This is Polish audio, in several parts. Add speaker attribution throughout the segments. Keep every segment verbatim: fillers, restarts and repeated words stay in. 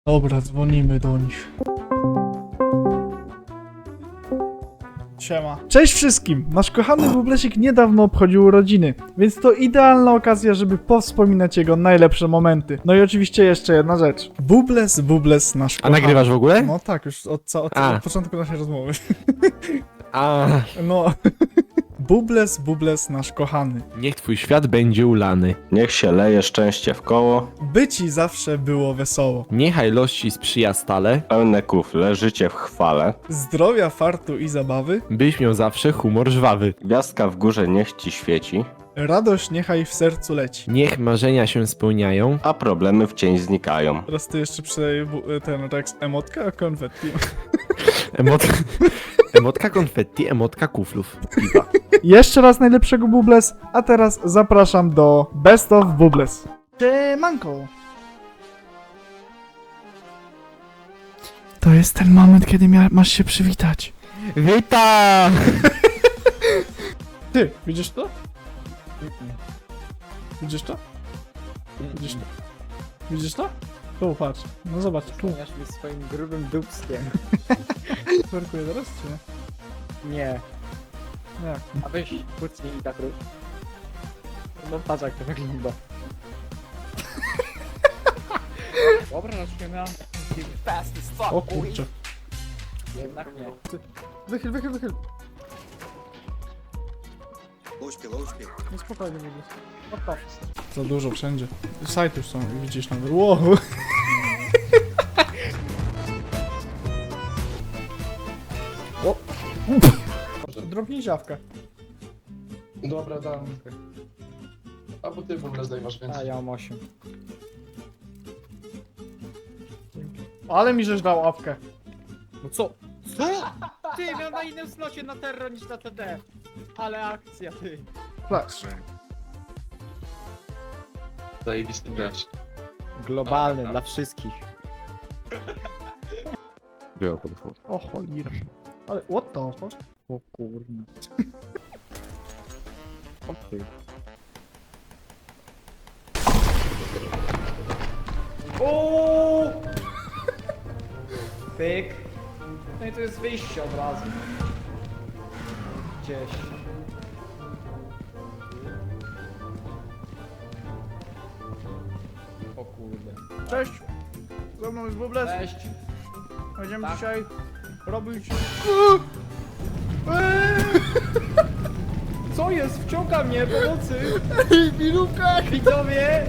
Speaker 1: Dobra, dzwonimy do nich. Siema. Cześć wszystkim! Nasz kochany Bublesik niedawno obchodził urodziny, więc to idealna okazja, żeby powspominać jego najlepsze momenty. No i oczywiście jeszcze jedna rzecz. Bubles, Bubles, nasz
Speaker 2: A
Speaker 1: kochany.
Speaker 2: nagrywasz w ogóle?
Speaker 1: No tak, już od, ca- od,
Speaker 2: A.
Speaker 1: od początku naszej rozmowy.
Speaker 2: A,
Speaker 1: No. Bubles, Bubles, nasz kochany.
Speaker 2: niech twój świat będzie ulany.
Speaker 3: Niech się leje szczęście w koło,
Speaker 1: By ci zawsze było wesoło.
Speaker 2: Niechaj los ci sprzyja stale,
Speaker 3: pełne kufle, życie w chwale.
Speaker 1: Zdrowia, fartu i zabawy.
Speaker 2: byś miał zawsze humor żwawy.
Speaker 3: Gwiazdka w górze niech ci świeci,
Speaker 1: Radość niechaj w sercu leci.
Speaker 2: Niech marzenia się spełniają,
Speaker 3: a problemy w cień znikają.
Speaker 1: Teraz ty jeszcze przydaj bu- ten Rex emotka, a konfetti.
Speaker 2: Emot... emotka konfetti, emotka kuflów. Piwa.
Speaker 1: Jeszcze raz najlepszego Bubles, a teraz zapraszam do Best of Bubles. Siemanko! To jest ten moment, kiedy mia- masz się przywitać.
Speaker 2: Witam!
Speaker 1: Ty, widzisz to? Widzisz to? Widzisz to? Widzisz to? Tu, patrz. No zobacz, tu.
Speaker 4: Zmieniasz mi swoim grubym dupskiem.
Speaker 1: Twerkuję teraz, czy nie?
Speaker 4: Nie.
Speaker 1: Nie.
Speaker 4: A weź kucnij i tak rób. No patrz jak to wygląda. Dobra, zaczniemy. Fast as fuck,
Speaker 1: O kurczę.
Speaker 4: Jednak nie.
Speaker 1: Wychyl, wychyl, wychyl.
Speaker 5: Louczki, louczki.
Speaker 1: No spokojnie, Bubles. No to. Za dużo wszędzie. Sajty już są, widzisz nawet. Wow. O! Drobnij ziawkę.
Speaker 6: Dobra, dam. Albo ty w ogóle zdejmasz
Speaker 4: A
Speaker 6: więcej.
Speaker 4: ja mam osiem.
Speaker 1: Ale mi żeś dał awkę.
Speaker 4: No co? Co? Ty, miał na innym slocie na terror niż na T D. Ale akcja, ty.
Speaker 1: Patrz.
Speaker 6: Zajebisty gracz.
Speaker 4: Globalny dla wszystkich.
Speaker 2: Było podchód.
Speaker 1: O cholera. Ale what the fuck?
Speaker 4: O kurna. O ty. O! Pyk. No i to jest wyjście od razu. Gdzieś. O kurde.
Speaker 1: Cześć. Ze mną jest Bubles.
Speaker 4: Cześć.
Speaker 1: Będziemy
Speaker 4: Tak.
Speaker 1: dzisiaj robić...
Speaker 4: Co jest? Wciąga mnie pomocy!
Speaker 1: Ej, Miluka!
Speaker 4: Widzowie!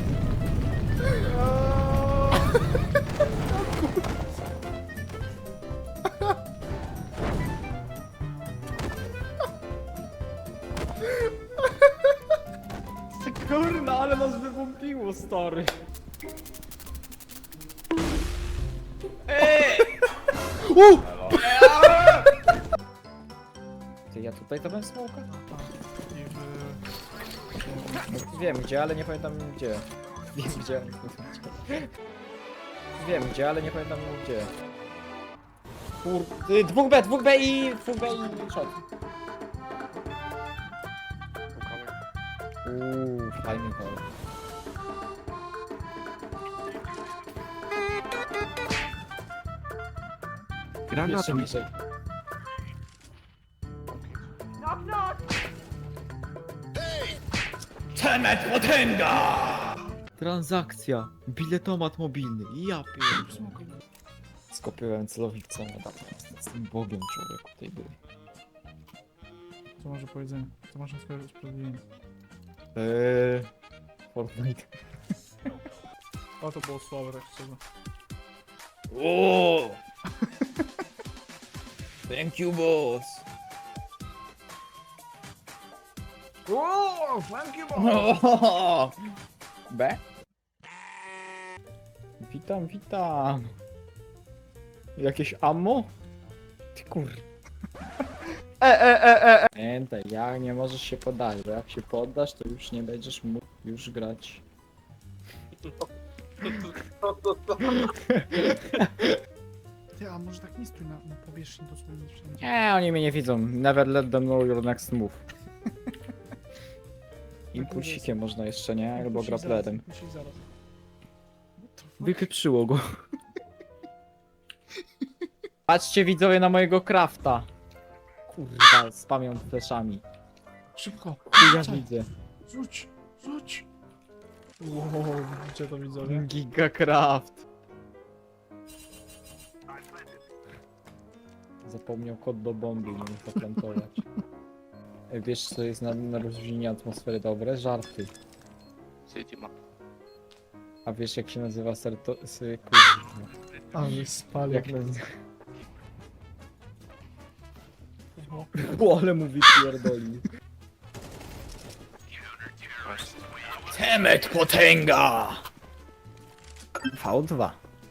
Speaker 4: Kurna, ale nas wywąpiło, stary. Ej!
Speaker 1: U!
Speaker 4: Ty, ja tutaj to bym smoka? Wiem gdzie, ale nie pamiętam gdzie. Wiem gdzie, ale nie pamiętam gdzie. Wiem gdzie, ale nie pamiętam gdzie. Kur... y, Dwóch B, dwóch B i... dwóch B i shot. Uuu, fajny gol.
Speaker 2: Granat.
Speaker 4: Jeszcze bliżej. Transakcja. Biletomat mobilny. Ja pierdolę. Skopiowałem celownicą. Jestem bogiem człowieku tej gry.
Speaker 1: Co może powiedzenie? Co można skojarzyć z prezydentiem?
Speaker 4: Eee... Fortnite.
Speaker 1: O, to było słabe, tak szczerze.
Speaker 4: O! Thank you, boss.
Speaker 1: O, thank you, boss.
Speaker 4: O! B? Witam, witam. Jakieś ammo? Ty kur...
Speaker 1: E, e, e, e, e.
Speaker 4: Pamiętaj, jak nie możesz się poddać, bo jak się poddasz, to już nie będziesz mógł już grać.
Speaker 1: Ty, a może tak nie stój na, na powierzchni dosłownie wszędzie.
Speaker 4: Nie, oni mnie nie widzą. Never let them know your next move. Impulsikiem można jeszcze, nie? Albo
Speaker 1: Impulsik zaraz,
Speaker 4: grapplerem.
Speaker 1: impulsik zaraz. What the fuck?
Speaker 4: Wypieprzyło go. Patrzcie widzowie na mojego crafta. Kurwa, spamią fleszami.
Speaker 1: Szybko.
Speaker 4: Ja widzę.
Speaker 1: Rzuć, rzuć. Wow, widzicie to widzowie?
Speaker 4: Giga craft. Zapomniał kod do bomby, nie mógł zaplantować. Ej, wiesz co jest na, na rozluźnienie atmosfery dobre? Żarty. A wiesz jak się nazywa serto... Sy, kurwa.
Speaker 1: Ale spali.
Speaker 4: Jak nazywa... O, ale mówi pierdoli. Temet potęga! V dwa.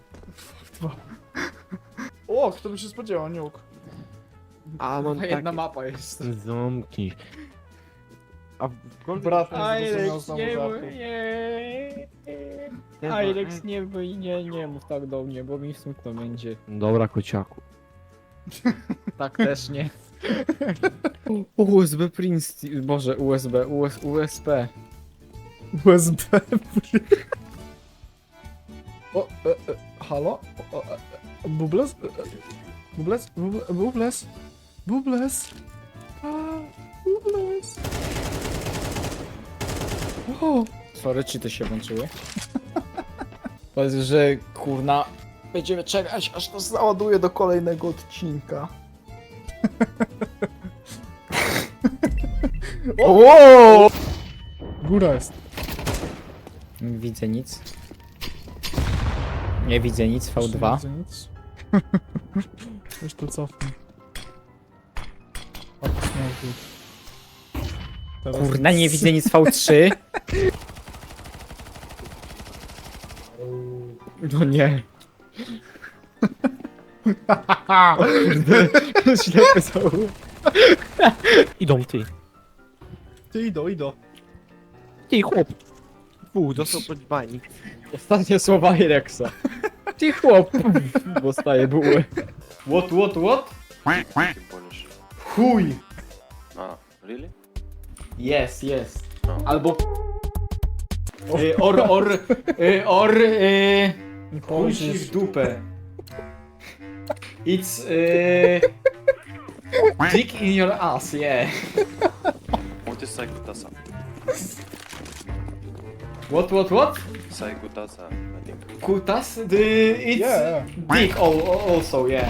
Speaker 1: O, kto by się spodziewał, niuk.
Speaker 2: A mam
Speaker 4: Jedna
Speaker 2: takie...
Speaker 4: mapa jest.
Speaker 2: Zamknij. A w Golden
Speaker 1: Brat
Speaker 2: Fire-
Speaker 1: zrozumiał
Speaker 4: Alex,
Speaker 1: znowu
Speaker 4: nie,
Speaker 1: żartu.
Speaker 4: mów- nie. Alex, nie, wyj- nie, nie mów tak do mnie, bo mi smutno będzie.
Speaker 2: Dobra, kociaku.
Speaker 4: Tak też nie. U S B Prince, boże, U S B, US, U S P.
Speaker 1: U S B. O, e, e, halo? O, e, e, Bubles? E, e, Bubles? Buble- Bubles? Bubles? A, Bubles? O,
Speaker 4: Sorry, czy to się włączyły? Powiedz, że kurna, będziemy czekać, aż to załaduje do kolejnego odcinka.
Speaker 1: o! Góra jest.
Speaker 4: Nie widzę nic. Nie widzę nic, V dwa.
Speaker 1: Nie widzę nic. Już tu cofnę. O, śmiałku. Teraz
Speaker 4: Kurna, nie widzę nic, V trzy. No nie.
Speaker 1: Haha!
Speaker 4: Ślepy zauł.
Speaker 2: Idą ty.
Speaker 1: Ty idą, idą.
Speaker 2: Ty chłop. Fu, dostał pod banik.
Speaker 4: Ostatnie słowa Irexa. Ty chłop. Dostaje buły. What, what, what? Chuj.
Speaker 5: Ah, really?
Speaker 4: Yes, yes. Albo... Y, or, or, y, or, y, chuj ci w dupę. It's, y, dick in your ass, yeah.
Speaker 5: What is Saigutasa?
Speaker 4: What, what, what?
Speaker 5: Saigutasa, I think.
Speaker 4: Kutas? The, it's
Speaker 1: Yeah.
Speaker 4: dick all, also, yeah.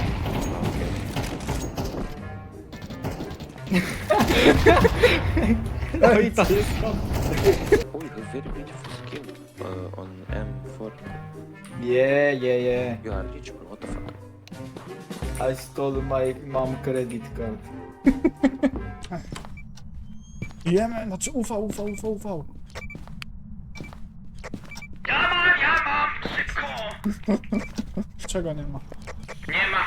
Speaker 4: No i to jest to.
Speaker 5: Oh, you have very beautiful skin uh, on M four.
Speaker 4: Yeah, yeah, yeah.
Speaker 5: You are rich, bro. What the fuck?
Speaker 4: I stole my mom credit card.
Speaker 1: Jemy, znaczy U V, U V, U V, U V. Czego nie ma? Nie ma!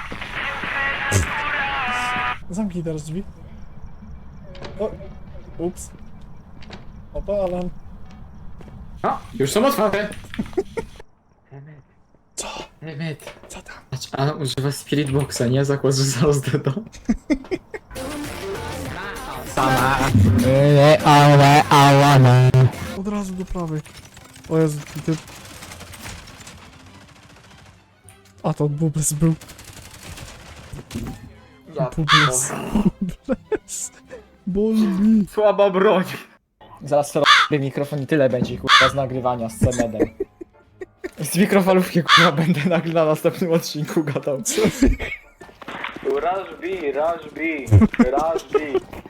Speaker 1: Zamknij teraz drzwi. O, ups. Opalam.
Speaker 4: A, już są otwarte.
Speaker 1: Co?
Speaker 4: Emmet.
Speaker 1: Co tam?
Speaker 4: Patrz, a używa Spirit Boxa, nie? Zakład, że zaraz do. Sama.
Speaker 1: Od razu do prawej. O Jezu, ty... ty... A to Bubles był. Bubles. Bubles. Bolbi.
Speaker 4: Słaba broń. Zaraz to robię mikrofon i tyle będzie kurwa z nagrywania z C-Medem. Z mikrofalówki kurwa będę nagle na następnym odcinku gadał.
Speaker 7: Rush B, Rush B, Rush B.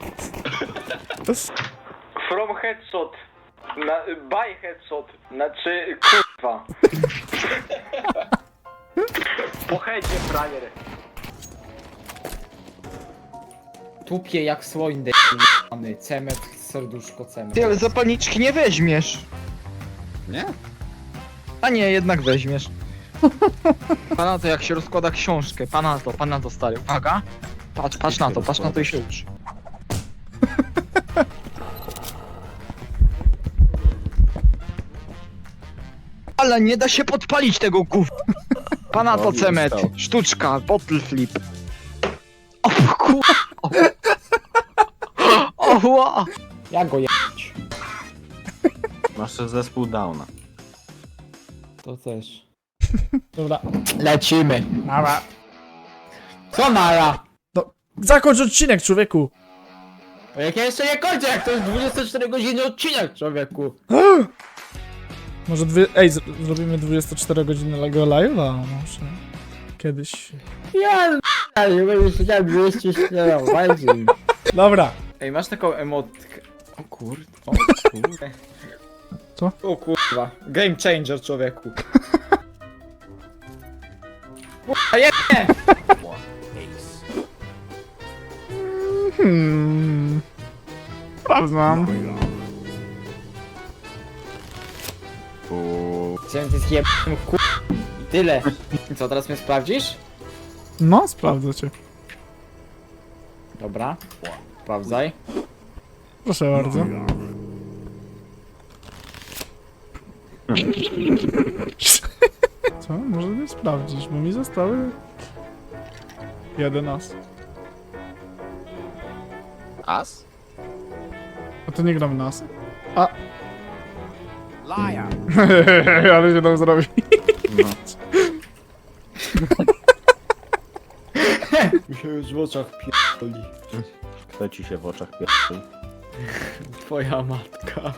Speaker 7: From headshot. Na, by headshot. Znaczy, kurwa. Po headzie, frajer.
Speaker 4: Tupie jak słoń d***ny. Cemet, serduszko, cemet.
Speaker 8: Ty, ale zapalniczki nie weźmiesz.
Speaker 2: Nie?
Speaker 8: A nie, jednak weźmiesz. Pana to jak się rozkłada książkę. Pana to, pana to stary. Uwaga. Patrz, patrz na to, patrz na to i się ucz. Ale nie da się podpalić tego gów. Pana to
Speaker 3: Robił
Speaker 8: cemet.
Speaker 3: stał.
Speaker 8: Sztuczka, bottle flip. O kur... O, o, ła.
Speaker 4: Jak go je...
Speaker 3: Masz też zespół Downa.
Speaker 4: To też. Dobra.
Speaker 8: Lecimy.
Speaker 1: Mała.
Speaker 8: Co nara?
Speaker 1: Zakończ odcinek, człowieku!
Speaker 8: O, jak ja jeszcze nie kończę, jak to jest dwudziesty cztery godziny odcinek, człowieku.
Speaker 1: Może dwie... Ej, z- zrobimy dwudziestocztery godziny Lego Live'a? Może... Kiedyś...
Speaker 8: Ja nie będę siedział dwieście cztery,
Speaker 1: Dobra.
Speaker 4: Ej, masz taką emotkę. O kurde, o kurde.
Speaker 1: Co?
Speaker 4: O kurwa. Game changer, człowieku. Kurwa, je...
Speaker 1: Hmm... Sprawdzam.
Speaker 3: U...
Speaker 4: Chciałem ty zjebnym kur... I tyle. I co, teraz mnie sprawdzisz?
Speaker 1: No, sprawdzę cię.
Speaker 4: Dobra. Sprawdzaj.
Speaker 1: Proszę bardzo. Co? Może nie sprawdzisz, bo mi zostały... jeden as.
Speaker 2: As?
Speaker 1: A to nie gramy na asy? A... Liar. Ale się tam zrobi.
Speaker 4: Mi się już w oczach pierdoli.
Speaker 3: Kto ci się w oczach pierdoli?
Speaker 4: Twoja matka.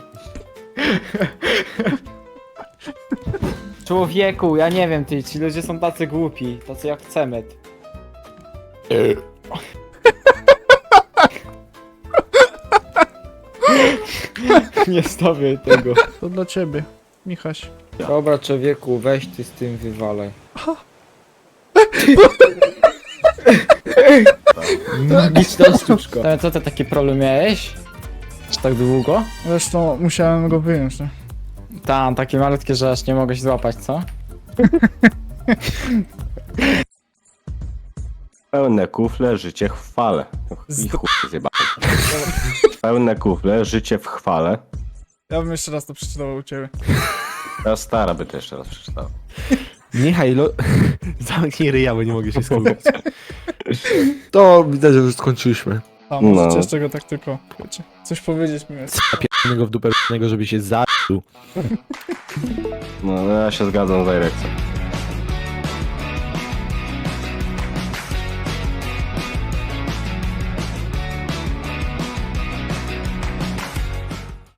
Speaker 4: Człowieku, ja nie wiem, ty, ci ludzie są tacy głupi, tacy jak Cemet. Nie stawiaj tego.
Speaker 1: To dla ciebie, Michaś.
Speaker 4: Dobra, człowieku, weź ty z tym wywalaj. Magiczna sztuczka. Ale co ty taki problem miałeś? Czy tak długo?
Speaker 1: Zresztą musiałem go wyjąć, nie?
Speaker 4: Tam, takie malutkie, że aż nie mogę się złapać, co?
Speaker 3: Pełne kufle, życie w chwale.
Speaker 1: Z-
Speaker 3: I chuj zjebany. Pełne kufle, życie w chwale.
Speaker 1: Ja bym jeszcze raz to przeczytał u ciebie.
Speaker 3: Ta stara by to jeszcze raz przeczytała.
Speaker 2: Niechaj, lo... Zamknij ryja, bo nie mogę się skupić. To widać, że już skończyliśmy.
Speaker 1: A może
Speaker 3: No.
Speaker 1: jeszcze go tak tylko, wiecie, coś powiedzieć mi jest.
Speaker 2: Zapiernego w dupę, żeby się zabił.
Speaker 3: No, ja się zgadzam z Irexem.